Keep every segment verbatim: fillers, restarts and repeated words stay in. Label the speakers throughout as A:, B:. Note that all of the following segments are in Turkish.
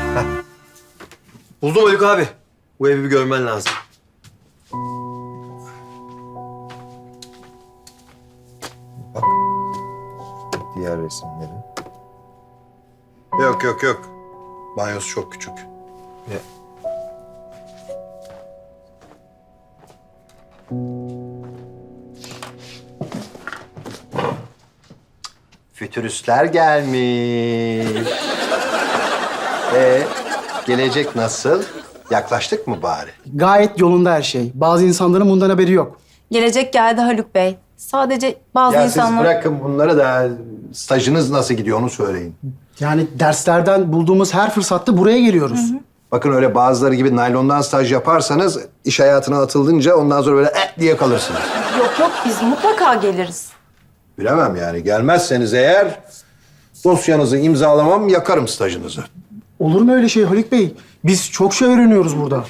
A: Buldum Haluk abi. Bu evi bir görmen lazım.
B: Bak. Diğer resimleri.
C: Yok yok yok. Banyosu çok küçük.
B: Ne? Fütüristler gelmiş. Ee, gelecek nasıl? Yaklaştık mı bari?
D: Gayet yolunda her şey. Bazı insanların bundan haberi yok.
E: Gelecek geldi Haluk Bey. Sadece bazı
B: Ya
E: insanlar...
B: siz bırakın bunları da stajınız nasıl gidiyor onu söyleyin.
D: Yani derslerden bulduğumuz her fırsatta buraya geliyoruz.
B: Bakın öyle bazıları gibi naylondan staj yaparsanız iş hayatına atıldınca ondan sonra böyle eh diye kalırsınız.
E: Yok yok biz mutlaka geliriz.
B: Bilemem yani. Gelmezseniz eğer dosyanızı imzalamam, yakarım stajınızı.
D: Olur mu öyle şey Haluk Bey? Biz çok şey öğreniyoruz burada.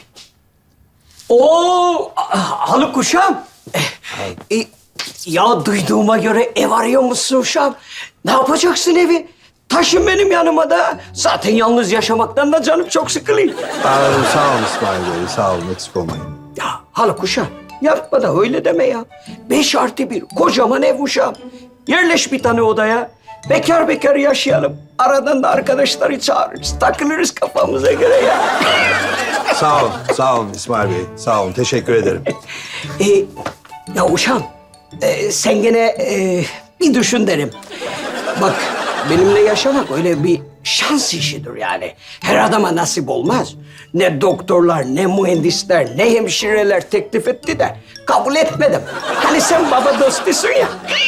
F: Oo, Haluk uşağım. E, e, ya duyduğuma göre ev arıyor musun uşağım? Ne yapacaksın evi? Taşın benim yanıma da. Zaten yalnız yaşamaktan da canım çok sıkılıyor.
B: Aa, sağ olun İsmail Bey, sağ olun. Eksik olmayın.
F: Ya Haluk uşağım, yapma da öyle deme ya. Beş artı bir, kocaman ev uşağım. Yerleş bir tane odaya. Bekar bekar yaşayalım. Aradan da arkadaşları çağırırız. Takılırız kafamıza göre ya.
B: Sağ olun, sağ olun İsmail Bey. Sağ olun, teşekkür ederim.
F: E, ya uşağım, e, sen gene e, bir düşün derim. Bak, benimle yaşamak öyle bir şans işidir yani. Her adama nasip olmaz. Ne doktorlar, ne mühendisler, ne hemşireler teklif etti de kabul etmedim. Hani sen baba dostusun ya.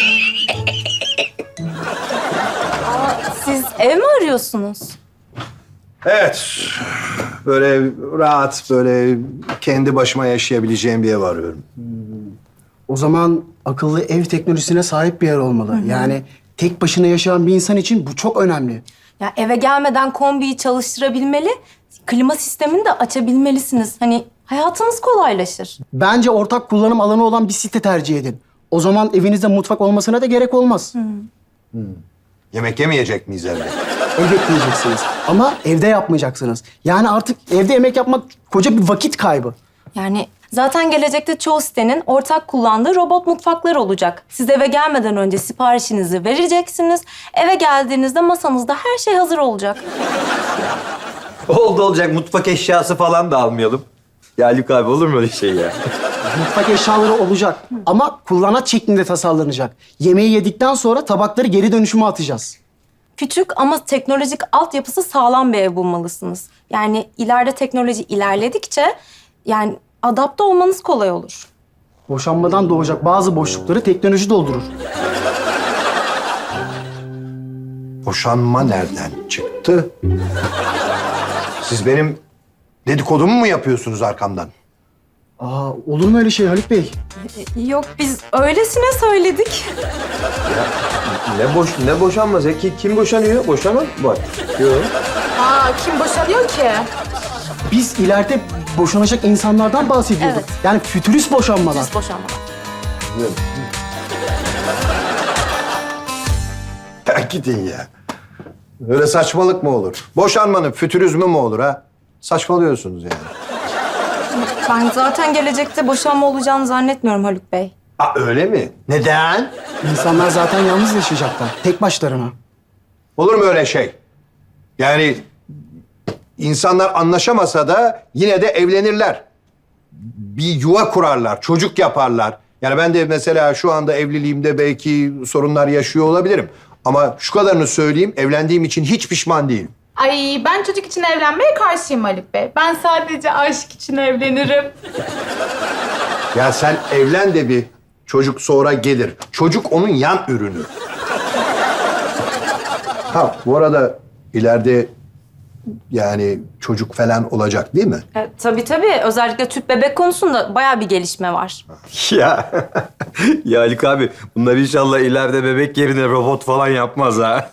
E: Siz ev mi arıyorsunuz?
B: Evet, böyle rahat, böyle kendi başıma yaşayabileceğim bir ev arıyorum.
D: O zaman akıllı ev teknolojisine sahip bir yer olmalı. Yani tek başına yaşayan bir insan için bu çok önemli.
E: Ya eve gelmeden kombiyi çalıştırabilmeli, klima sistemini de açabilmelisiniz. Hani hayatınız kolaylaşır.
D: Bence ortak kullanım alanı olan bir site tercih edin. O zaman evinizde mutfak olmasına da gerek olmaz.
B: Yemek yemeyecek miyiz evde?
D: Elbette yiyeceksiniz. Ama evde yapmayacaksınız. Yani artık evde yemek yapmak koca bir vakit kaybı.
E: Yani zaten gelecekte çoğu sitenin ortak kullandığı robot mutfaklar olacak. Siz eve gelmeden önce siparişinizi vereceksiniz. Eve geldiğinizde masanızda her şey hazır olacak.
A: Oldu olacak mutfak eşyası falan da almayalım. Ya Haluk abi olur mu öyle şey ya?
D: Mutfak eşyaları olacak ama kullanat şeklinde tasarlanacak. Yemeği yedikten sonra tabakları geri dönüşüme atacağız.
E: Küçük ama teknolojik altyapısı sağlam bir ev bulmalısınız. Yani ileride teknoloji ilerledikçe yani adapte olmanız kolay olur.
D: Boşanmadan doğacak bazı boşlukları teknoloji doldurur.
B: Boşanma nereden çıktı? Siz benim dedikodumu mu yapıyorsunuz arkamdan?
D: Aa, olur mu öyle şey Haluk Bey?
E: Yok biz öylesine söyledik.
A: Ne boş ne boşanmaz ya? Ki, kim boşanıyor? Boşanan var. Yok.
E: Aa kim boşanıyor ki?
D: Biz ileride boşanacak insanlardan bahsediyorduk.
E: Evet.
D: Yani fütürist boşanmalar.
E: Biz boşanmalar.
B: Ya gidin ya. Öyle saçmalık mı olur? Boşanmanın fütürizmi mi olur ha? Saçmalıyorsunuz yani.
E: Ben zaten gelecekte boşanma olacağını zannetmiyorum Haluk Bey.
B: Aa öyle mi? Neden?
D: İnsanlar zaten yalnız yaşayacaklar. Tek başlarına.
B: Olur mu öyle şey? Yani insanlar anlaşamasa da yine de evlenirler. Bir yuva kurarlar, çocuk yaparlar. Yani ben de mesela şu anda evliliğimde belki sorunlar yaşıyor olabilirim. Ama şu kadarını söyleyeyim, evlendiğim için hiç pişman değilim.
G: Ay ben çocuk için evlenmeye karşıyım Haluk Bey. Ben sadece aşk için evlenirim.
B: Ya sen evlen de bir çocuk sonra gelir. Çocuk onun yan ürünü. Ha bu arada ileride yani çocuk falan olacak değil mi?
E: E, tabii tabii. Özellikle tüp bebek konusunda bayağı bir gelişme var.
A: Ya. Ya Haluk abi bunlar inşallah ileride bebek yerine robot falan yapmaz ha.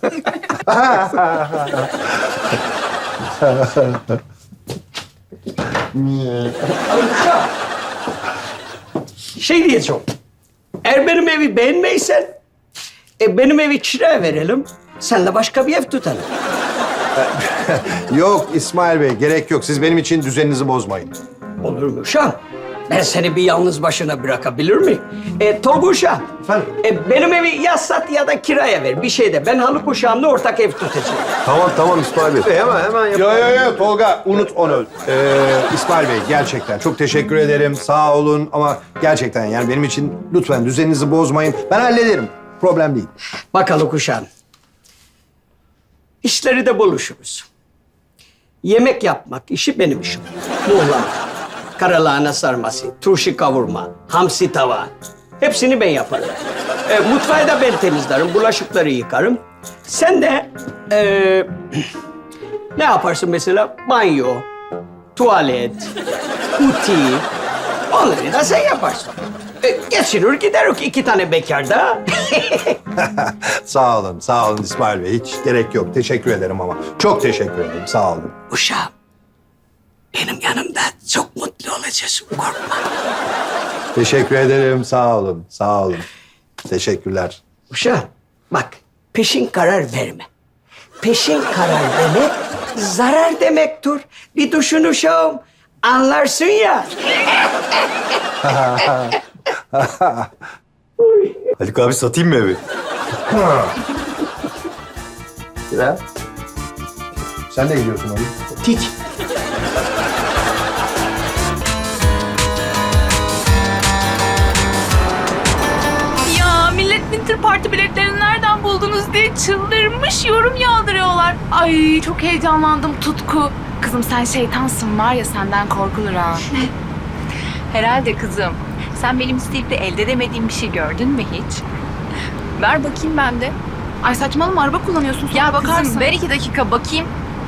F: Şey diyeceğim. Eğer benim evi beğenmeysen, e, benim evi kiraya verelim. Sen de başka bir ev tutalım.
B: Yok İsmail Bey, gerek yok. Siz benim için düzeninizi bozmayın.
F: Olur mu Uşağım? Ben seni bir yalnız başına bırakabilir miyim? E, Tolga Uşağım.
B: Efendim?
F: E, benim evi ya sat ya da kiraya ver. Bir şey de. Ben Haluk Uşağım'la ortak ev tutacağım.
A: Tamam tamam İsmail Bey. Hemen hemen yap.
B: Yo yo yo Tolga, unut onu. Ee, İsmail Bey, gerçekten çok teşekkür ederim. Sağ olun ama gerçekten yani benim için lütfen düzeninizi bozmayın. Ben hallederim. Problem değil.
F: Bak Haluk Uşağım. İşleri de buluşuruz. Yemek yapmak işi benim işim. Muğlama, karalahana sarması, turşu kavurma, hamsi tava. Hepsini ben yaparım. E, mutfağı da ben temizlerim, bulaşıkları yıkarım. Sen de e, ne yaparsın mesela? Banyo, tuvalet, uti. Onları da sen yaparsın. E, geçirir giderik iki tane bekar da.
B: Sağ olun, sağ olun İsmail Bey. Hiç gerek yok. Teşekkür ederim ama. Çok teşekkür ederim. Sağ olun.
F: Uşağım, benim yanımda çok mutlu olacaksın, korkma.
B: Teşekkür ederim. Sağ olun, sağ olun. Teşekkürler.
F: Uşağım, bak peşin karar verme. Peşin karar demek zarar demektir. Bir düşün uşağım, anlarsın ya.
A: Haluk abi satayım mı evi?
B: Ya. Sen de gidiyorsun oğlum.
D: Tik.
G: Ya millet Winter Party biletlerini nereden buldunuz diye çıldırmış yorum yağdırıyorlar. Ay çok heyecanlandım Tutku. Kızım sen şeytansın var ya senden korkulur ha.
H: Herhalde kızım. Sen benim isteyip de elde edemediğim bir şey gördün mü hiç? Ver bakayım ben de.
G: Ay saçmalama araba kullanıyorsun sonra
H: Ya
G: bakarsın.
H: kızım ver iki dakika bakayım.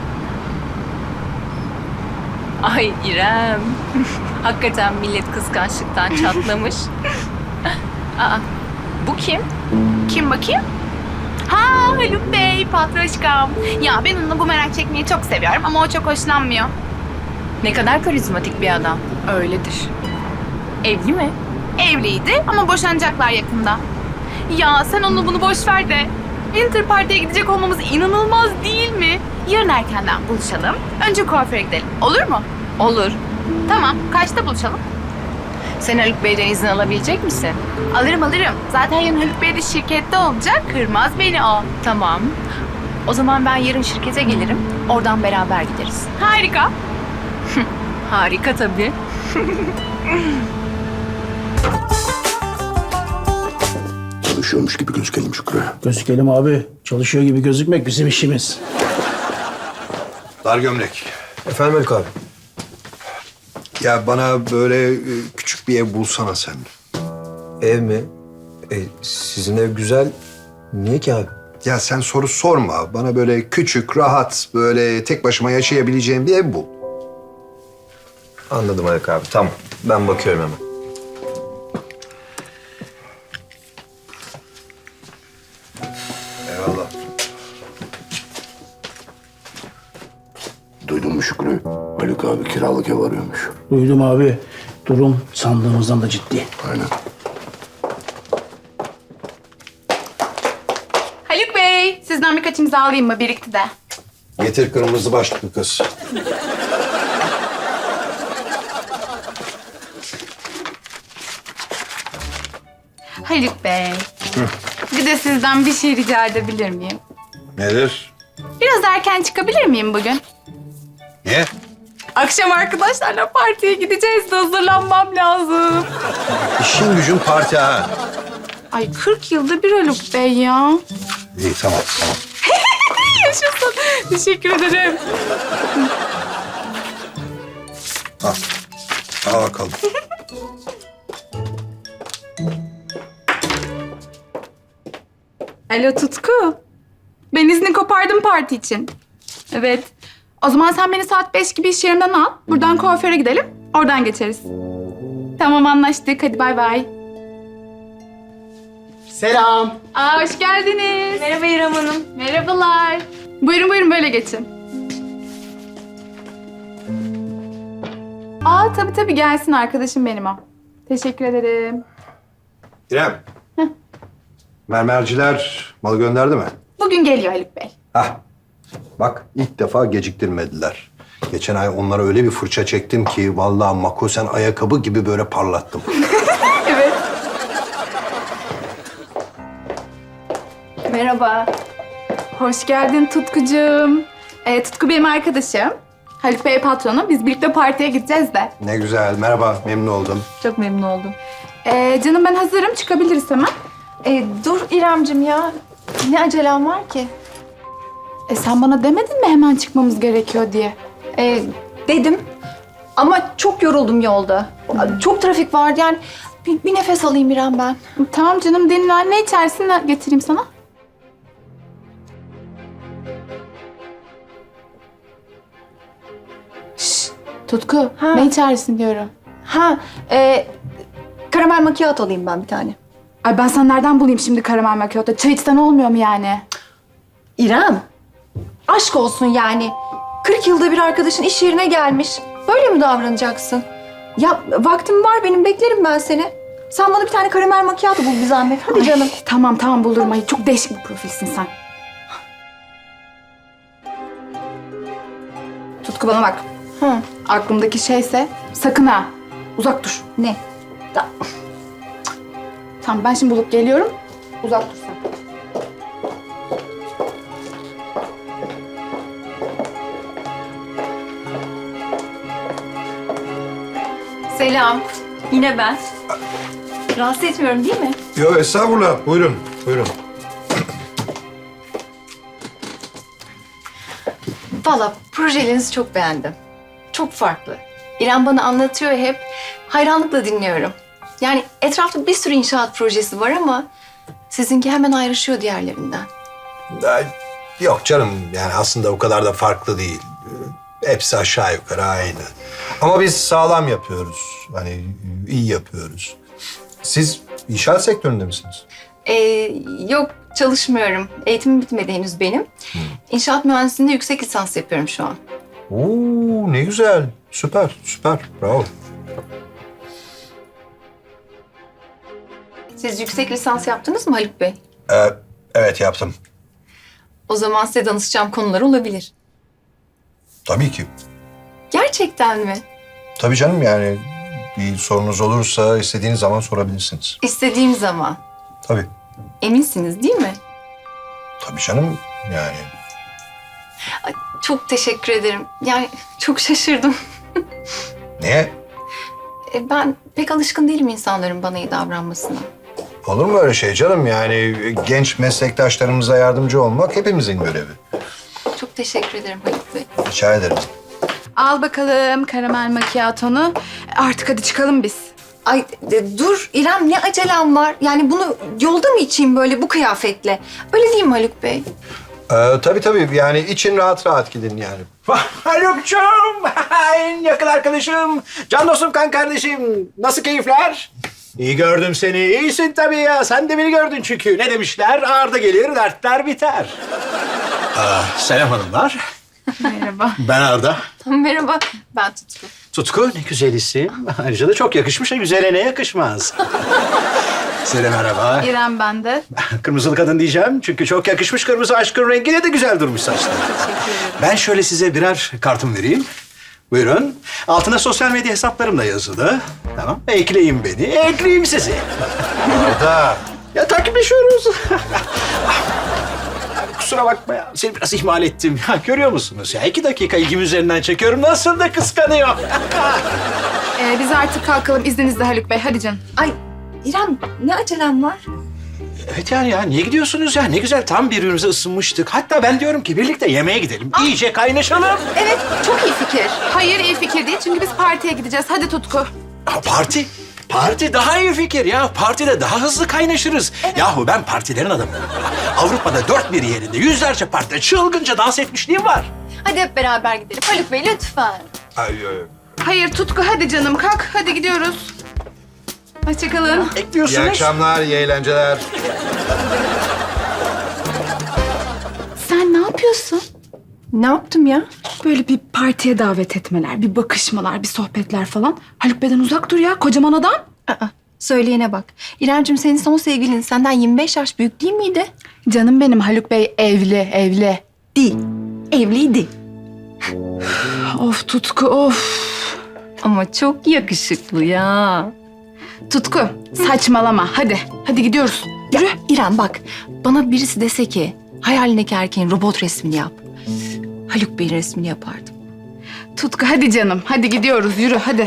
H: Ay İrem. Hakikaten millet kıskançlıktan çatlamış. Aa, bu kim?
G: Kim bakayım? Ha Haluk Bey patroşkam. Ya ben onunla bu merak çekmeyi çok seviyorum ama o çok hoşlanmıyor.
H: Ne kadar karizmatik bir adam.
G: Öyledir.
H: Evli mi?
G: Evliydi ama boşanacaklar yakında. Ya sen onu bunu boş ver de. Winter Party'ye gidecek olmamız inanılmaz değil mi? Yarın erkenden buluşalım. Önce kuaföre gidelim. Olur mu?
H: Olur.
G: Tamam. Kaçta buluşalım?
H: Sen Haluk Bey'den izin alabilecek misin?
G: Alırım alırım. Zaten yarın Haluk Bey de şirkette olacak. Kırmaz beni o.
H: Tamam. O zaman ben yarın şirkete gelirim. Oradan beraber gideriz.
G: Harika.
H: Harika tabii.
C: Çalışıyormuş gibi gözükelim Şükrü.
D: Gözükelim abi. Çalışıyor gibi gözükmek bizim işimiz.
B: Dar gömlek.
A: Efendim Haluk abi.
B: Ya bana böyle e, küçük bir ev bulsana sen.
A: Ev mi? E, sizin ev güzel. Niye ki abi?
B: Ya sen soru sorma. Bana böyle küçük, rahat, böyle tek başıma yaşayabileceğim bir ev bul.
A: Anladım Haluk abi. Tamam. Ben bakıyorum hemen.
B: Eyvallah.
C: Duydun mu Şükrü? Haluk abi kiralık ev arıyormuş.
D: Duydum abi. Durum sandığımızdan da ciddi.
C: Aynen.
G: Haluk Bey, sizden birkaç imza alayım mı? Birikti de.
B: Getir kırmızı başlıklı kız.
G: Haluk Bey. Bir de sizden bir şey rica edebilir miyim?
B: Nedir?
G: Biraz erken çıkabilir miyim bugün?
B: Niye?
G: Akşam arkadaşlarla partiye gideceğiz de hazırlanmam lazım.
B: İşin gücün parti ha.
G: Ay kırk yılda bir Haluk Bey ya.
B: İyi tamam tamam.
G: Yaşasın. Teşekkür ederim.
B: Al. Al bakalım.
G: Alo Tutku. Ben izni kopardım parti için. Evet. O zaman sen beni saat beş gibi iş yerimden al. Buradan kuaföre gidelim. Oradan geçeriz. Tamam anlaştık. Hadi bay bay.
D: Selam.
G: Aa hoş geldiniz.
E: Merhaba İrem Hanım.
G: Merhabalar. Buyurun buyurun böyle geçin. Aa tabii tabii gelsin arkadaşım benim o. Teşekkür ederim.
B: İrem. Mermerciler malı gönderdi mi?
G: Bugün geliyor Haluk Bey.
B: Hah. Bak ilk defa geciktirmediler. Geçen ay onlara öyle bir fırça çektim ki vallahi makosen ayakkabı gibi böyle parlattım.
G: Merhaba. Hoş geldin Tutkucuğum. Ee, Tutku benim arkadaşım. Haluk Bey patronu. Biz birlikte partiye gideceğiz de.
B: Ne güzel. Merhaba. Memnun oldum.
G: Çok memnun oldum. Ee, canım ben hazırım. Çıkabiliriz hemen.
I: E, dur İremcim ya. Ne acelem var ki?
G: E, sen bana demedin mi hemen çıkmamız gerekiyor diye?
I: E, dedim. Ama çok yoruldum yolda. Çok trafik vardı yani. Bir, bir nefes alayım İrem ben.
G: Tamam canım dinlen. Ne içersin ne getireyim sana? Şşş, Tutku
I: Ha.
G: ne içersin diyorum.
I: Ha, e, karamel macchiato alayım ben bir tane.
G: Ay ben sana nereden bulayım şimdi karamel macchiato? Çay içsen olmuyor mu yani?
I: İrem, aşk olsun yani. kırk yılda bir arkadaşın iş yerine gelmiş. Böyle mi davranacaksın? Ya vaktim var benim, beklerim ben seni. Sen bana bir tane karamel macchiato bul bir zahmet. Hadi
G: Ay,
I: canım.
G: Tamam tamam bulurum. Ay, çok değişik bir profilsin sen. Tutku bana bak.
I: Hı.
G: Aklımdaki şeyse sakın ha. Uzak dur.
I: Ne? Da-
G: Tamam ben şimdi bulup geliyorum. Uzak dur sen.
I: Selam. Yine ben. Rahatsız etmiyorum değil mi?
B: Yok estağfurullah. Buyurun. Buyurun.
I: Valla projelerinizi çok beğendim. Çok farklı. İrem bana anlatıyor hep. Hayranlıkla dinliyorum. Yani etrafta bir sürü inşaat projesi var ama sizinki hemen ayrışıyor diğerlerinden.
B: Ay, yok canım. Yani aslında o kadar da farklı değil. Hepsi aşağı yukarı aynı. Ama biz sağlam yapıyoruz. Hani iyi yapıyoruz. Siz inşaat sektöründe misiniz?
I: Ee, yok çalışmıyorum. Eğitimim bitmedi henüz benim. İnşaat mühendisliğinde yüksek lisans yapıyorum şu an.
B: Oo ne güzel. Süper, süper. Bravo.
I: Siz yüksek lisans yaptınız mı Haluk Bey?
B: Ee, evet yaptım.
I: O zaman size danışacağım konular olabilir.
B: Tabii ki.
I: Gerçekten mi?
B: Tabii canım yani bir sorunuz olursa istediğiniz zaman sorabilirsiniz.
I: İstediğim zaman.
B: Tabii.
I: Eminsiniz değil mi?
B: Tabii canım yani.
I: Ay, çok teşekkür ederim. Yani çok şaşırdım.
B: Niye?
I: E, ben pek alışkın değilim insanların bana iyi davranmasına.
B: Olur mu öyle şey canım? Yani genç meslektaşlarımıza yardımcı olmak hepimizin görevi.
I: Çok teşekkür ederim Haluk Bey.
B: Rica ederim.
G: Al bakalım karamel macchiato'nu. Artık hadi çıkalım biz.
I: Ay e, dur İrem ne acelem var? Yani bunu yolda mı içeyim böyle bu kıyafetle? Öyle değil mi Haluk Bey?
B: Ee, tabii tabii yani için rahat rahat gidin yani.
J: Haluk'cum, en yakın arkadaşım, can dostum, kan kardeşim. Nasıl keyifler? İyi gördüm seni. İyisin tabii ya. Sen de beni gördün çünkü. Ne demişler? Ağırda gelir, dertler biter. Aa, selam hanımlar.
G: Merhaba.
J: Ben Arda.
I: Merhaba ben Tutku.
J: Tutku ne güzel isim. Ayrıca da çok yakışmış. Güzele ne yakışmaz? Size de merhaba.
G: İrem ben de.
J: Kırmızılı kadın diyeceğim çünkü çok yakışmış, kırmızı aşkın rengine de güzel durmuş saçlar. Ben şöyle size birer kartım vereyim. Buyurun. Altına sosyal medya hesaplarım da yazılı. Tamam. Ekleyin beni, ekleyeyim sizi.
B: Arda.
J: Ya takipleşiyoruz. Abi kusura bakma ya. Seni biraz ihmal ettim. Ya görüyor musunuz ya? İki dakika ilgim üzerinden çekiyorum. Nasıl da kıskanıyor.
G: Ee, biz artık kalkalım izninizle Haluk Bey. Hadi canım.
I: Ay İrem ne acelem var?
J: Evet yani ya niye gidiyorsunuz ya? Ne güzel tam birbirimize ısınmıştık. Hatta ben diyorum ki birlikte yemeğe gidelim. İyice kaynaşalım.
I: Evet çok iyi fikir.
G: Hayır iyi fikir değil çünkü biz partiye gideceğiz. Hadi Tutku.
J: Ha, parti. Parti daha iyi fikir ya. Partide daha hızlı kaynaşırız. Yahu ben partilerin adamıyım. Avrupa'da dört bir yerinde yüzlerce partide çılgınca dans etmişliğim var.
I: Hadi hep beraber gidelim. Haluk Bey lütfen.
B: Ay, ay.
G: Hayır Tutku hadi canım kalk. Hadi gidiyoruz. Hoşçakalın.
B: İyi
J: Bekliyorsunuz.
B: akşamlar, iyi eğlenceler.
G: Sen ne yapıyorsun?
I: Ne yaptım ya?
G: Böyle bir partiye davet etmeler, bir bakışmalar, bir sohbetler falan. Haluk Bey'den uzak dur ya kocaman adam.
I: Aa, söyleyene bak. İremciğim senin son sevgilin senden yirmi beş yaş büyük değil miydi?
G: Canım benim Haluk Bey evli, evli.
I: Değil.
H: evliydi.
G: Of Tutku of.
H: Ama çok yakışıklı ya.
G: Tutku saçmalama hadi. Hadi gidiyoruz. Yürü.
H: İrem bak, bana birisi dese ki hayalindeki erkeğin robot resmini yap. Haluk Bey'in resmini yapardım.
G: Tutku hadi canım. Hadi gidiyoruz yürü hadi.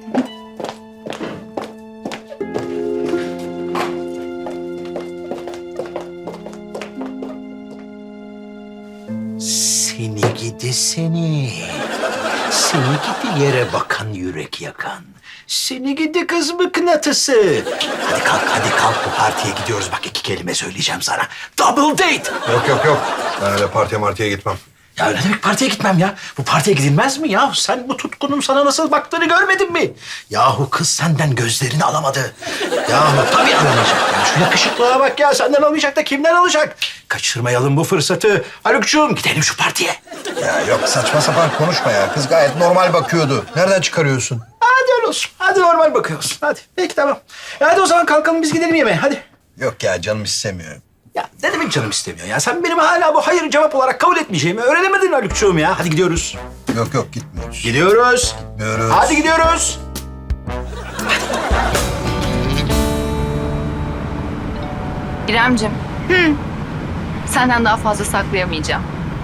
J: Seni gidi seni. Seni gidi yere bakan yürek yakan. Seni gidi kız mıknatısı. Hadi kalk hadi kalk bu partiye gidiyoruz. Bak iki kelime söyleyeceğim sana. Double date.
B: Yok yok yok. Ben öyle partiye martiye gitmem.
J: Ya ne demek partiye gitmem ya? Bu partiye gidilmez mi ya? Sen bu tutkunun sana nasıl baktığını görmedin mi? Yahu kız senden gözlerini alamadı. Yahu tabii alamayacak ya. Şu yakışıklığa bak ya. Senden almayacak da kimden alacak? Kaçırmayalım bu fırsatı. Haluk'cuğum gidelim şu partiye.
B: Ya yok saçma sapan konuşma ya. Kız gayet normal bakıyordu. Nereden çıkarıyorsun?
J: Hadi öyle olsun. Hadi normal bakıyorsun. Hadi. Peki tamam. E hadi o zaman kalkalım biz gidelim yemeğe. Hadi.
B: Yok ya canım istemiyor.
J: Ya ne demek canım istemiyor ya? Sen benim hala bu hayır cevap olarak kabul etmeyeceğimi öğrenemedin Haluk'cuğum ya. Hadi gidiyoruz.
B: Yok yok gitmiyoruz.
J: Gidiyoruz.
B: Gitmiyoruz.
J: Hadi gidiyoruz.
H: İremcim. Senden daha fazla saklayamayacağım.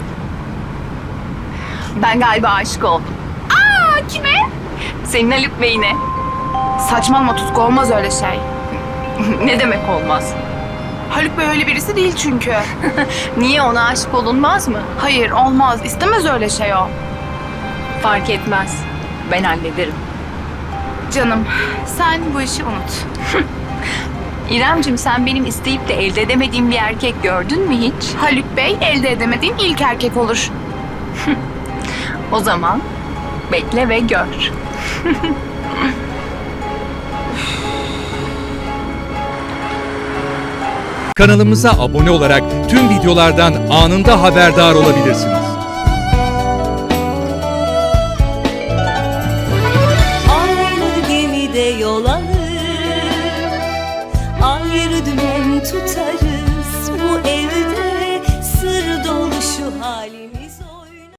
H: Ben galiba aşık oldum.
G: Aa kime?
H: Senin Haluk Bey'ine.
G: Saçmalama Tutku olmaz öyle şey.
H: Ne demek olmaz?
G: Haluk Bey öyle birisi değil çünkü.
H: Niye, ona aşık olunmaz mı?
G: Hayır olmaz. İstemez öyle şey o.
H: Fark etmez. Ben hallederim.
G: Canım sen bu işi unut.
H: İremcim, sen benim isteyip de elde edemediğim bir erkek gördün mü hiç?
G: Haluk Bey elde edemediğin ilk erkek olur.
H: O zaman bekle ve gör.
K: Kanalımıza abone olarak tüm videolardan anında haberdar olabilirsiniz.
L: Aynı gemide yol alır, ayrı dümen tutarız. Bu evde sır dolu şu halimiz.